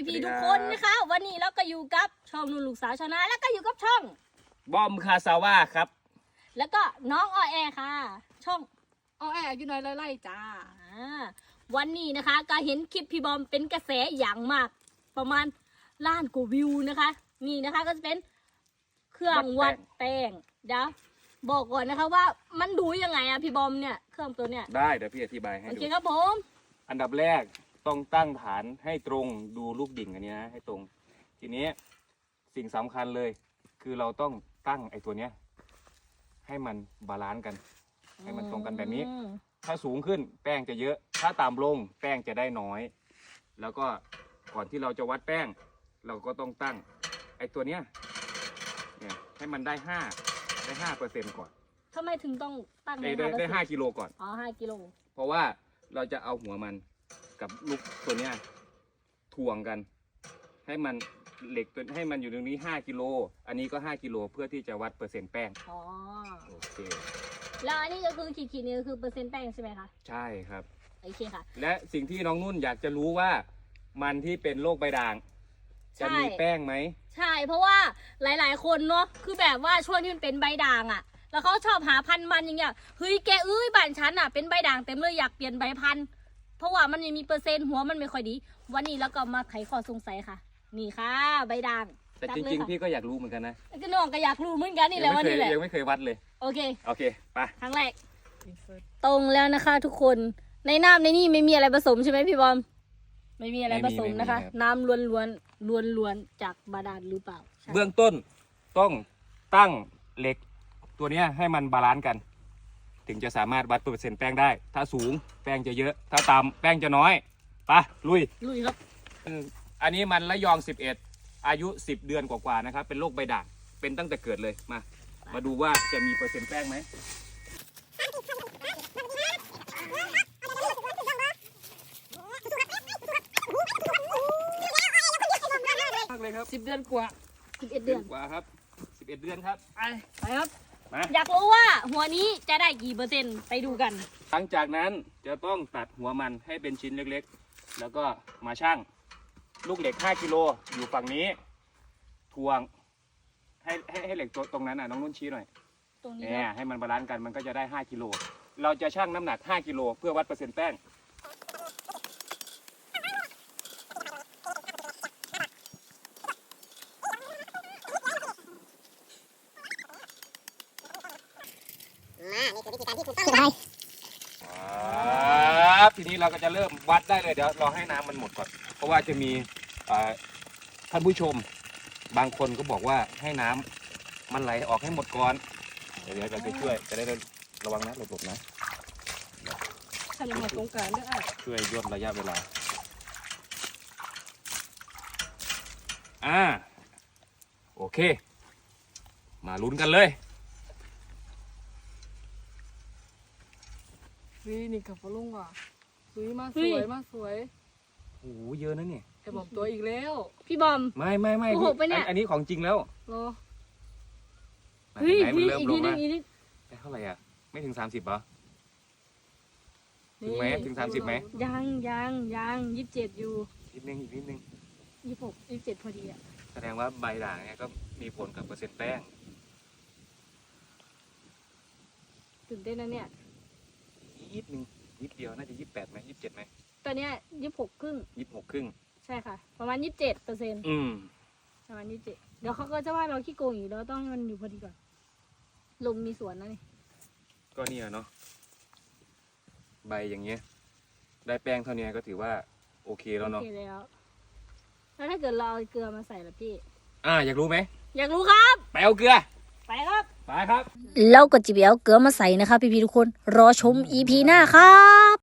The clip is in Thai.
พี่ๆทุกคนนะคะวันนี้เราก็อยู่กับช่องนุ่นลูกสาวชาวนาแล้วก็อยู่กับช่องบอมคาซาว่าครับแล้วก็น้องออแอค่ะ ช่องเอาแอบอยู่น้อยไล่จ้าวันนี้นะคะก็เห็นคลิปพี่บอมเป็นกระแสอย่างมากประมาณล้านกว่าวิวนะคะนี่นะคะก็จะเป็นเครื่องวัดแป้งเดี๋ยวบอกก่อนนะคะว่ามันดูยังไงอะพี่บอมเนี่ยเครื่องตัวเนี้ยได้เดี๋ยวพี่อธิบายให้ดูโอเคครับผมอันดับแรกต้องตั้งฐานให้ตรงดูลูกดิ่งอันนี้นะให้ตรงทีนี้สิ่งสำคัญเลยคือเราต้องตั้งไอ้ตัวเนี้ยให้มันบาลานซ์กันให้มันตรงกันแบบนี้ถ้าสูงขึ้นแป้งจะเยอะถ้าต่ำลงแป้งจะได้น้อยแล้วก็ก่อนที่เราจะวัดแป้งเราก็ต้องตั้งไอ้ตัวเนี้ยเนี่ยให้มันได้5%ก่อนทำไมถึงต้องตั้งได้5 กิโลก่อนอ๋อ5 กิโลเพราะว่าเราจะเอาหัวมันกับลูกตัวเนี้ยถ่วงกันให้มันเหล็กตัวให้มันอยู่ตรงนี้5 กิโลอันนี้ก็5 กิโลเพื่อที่จะวัดเปอร์เซ็นต์แป้งอ๋อโอเคแล้วอันนี้ก็คือขีดนี่ก็คือเปอร์เซ็นต์แป้งใช่ไหมคะใช่ครับโอเคค่ะและสิ่งที่น้องนุ่นอยากจะรู้ว่ามันที่เป็นโรคใบด่างจะมีแป้งไหมใช่เพราะว่าหลายๆคนเนาะคือแบบว่าช่วงที่มันเป็นใบด่างอ่ะแล้วเขาชอบหาพันธุ์มันอย่างเงี้ยเฮ้ยแกบ้านฉันอ่ะเป็นใบด่างเต็มเลยอยากเปลี่ยนใบพันธุ์เพราะว่ามันยังมีเปอร์เซ็นต์หัวมันไม่ค่อยดีวันนี้แล้วก็มาไขข้อสงสัยค่ะนี่ค่ะใบด่างแต่จริงๆพี่ก็อยากรู้เหมือนกันนะก็น้องก็อยากรู้เหมือนกันนี่แหละวันนี้แหละยังไม่เคยวัดเลยโอเคไปครั้งแรกตรงแล้วนะคะทุกคนในน้ำในนี่ไม่มีอะไรผสมใช่ไหมพี่บอมไม่มีอะไรผสมนะคะน้ำล้วนจากบาดาลหรือเปล่าเบื้องต้นต้องตั้งเหล็กตัวนี้ให้มันบาลานซ์กันถึงจะสามารถวัดเปอร์เซ็นต์แป้งได้ถ้าสูงแป้งจะเยอะถ้าต่ำแป้งจะน้อยไปลุยครับอันนี้มันระยอง11อายุ10 เดือนกว่าๆนะครับเป็นโรคใบด่างเป็นตั้งแต่เกิดเลยมาดูว่าจะมีเปอร์เซ็นต์แป้งไหมเลยครับ 10 เดือนกว่า 11 เดือนกว่าครับ11 เดือนครับไปครับอยากรู้ว่าหัวนี้จะได้กี่เปอร์เซ็นต์ไปดูกันหลังจากนั้นจะต้องตัดหัวมันให้เป็นชิ้นเล็กๆแล้วก็มาชั่งลูกเหล็ก5 กิโลอยู่ฝั่งนี้ทวงให้เหล็กตรงนั้นน้องนุ่นชี้หน่อยตรงนี้ให้มันบาลานซ์กันมันก็จะได้5 กิโลเราจะชั่งน้ำหนัก5 กิโลเพื่อวัดเปอร์เซ็นต์แป้งทีนี้เราก็จะเริ่มวัดได้เลยเดี๋ยวรอให้น้ำมันหมดก่อนเพราะว่าจะมีท่านผู้ชมบางคนก็บอกว่าให้น้ำมันไหลออกให้หมดก่อนเดี๋ยวเราจะช่วยจะได้ระวังนะหลบๆนะทำมาตรงกลางด้วยช่วยย่นระยะเวลาโอเคมาลุ้นกันเลยนี่กับฟลุงว่ะมาสวยมาสวยโอ้โหเยอะนะเนี่ยไอ้บอมตัวอีกแล้วพี่บอมไม่โอ้โหไปเนี่ยอันนี้ของจริงแล้วเฮ้ยอีกนิดนึงเท่าไหร่อ่ะไม่ถึง30เหรอถึงไหมถึง30ไหมยัง27อยู่อีกนิดนึง 26 27พอดีอ่ะแสดงว่าใบด่างเนี่ยก็มีผลกับเปอร์เซ็นต์แป้งตื่นเต้นนะเนี่ยนิดเดียวน่าจะ28ไหม27ไหมตอนเนี้ย26 ครึ่ง 26 ครึ่งใช่ค่ะประมาณ27%ประมาณ27เดี๋ยวเขาก็จะว่าเราขี้โกงอยู่เราต้องให้มันอยู่พอดีก่อนลมมีสวนนะนี่ก็นี่เนาะใบอย่างเงี้ยได้แป้งเท่านี้ก็ถือว่าโอเคแล้วเนาะโอเคแล้วถ้าเกิดเราเอาเกลือมาใส่ล่ะพี่อยากรู้ไหมอยากรู้ครับไปเอาเกลือไปครับเราก็จะไปเอาเกลือมาใส่นะคะพี่ๆทุกคนรอชม EP หน้าครับ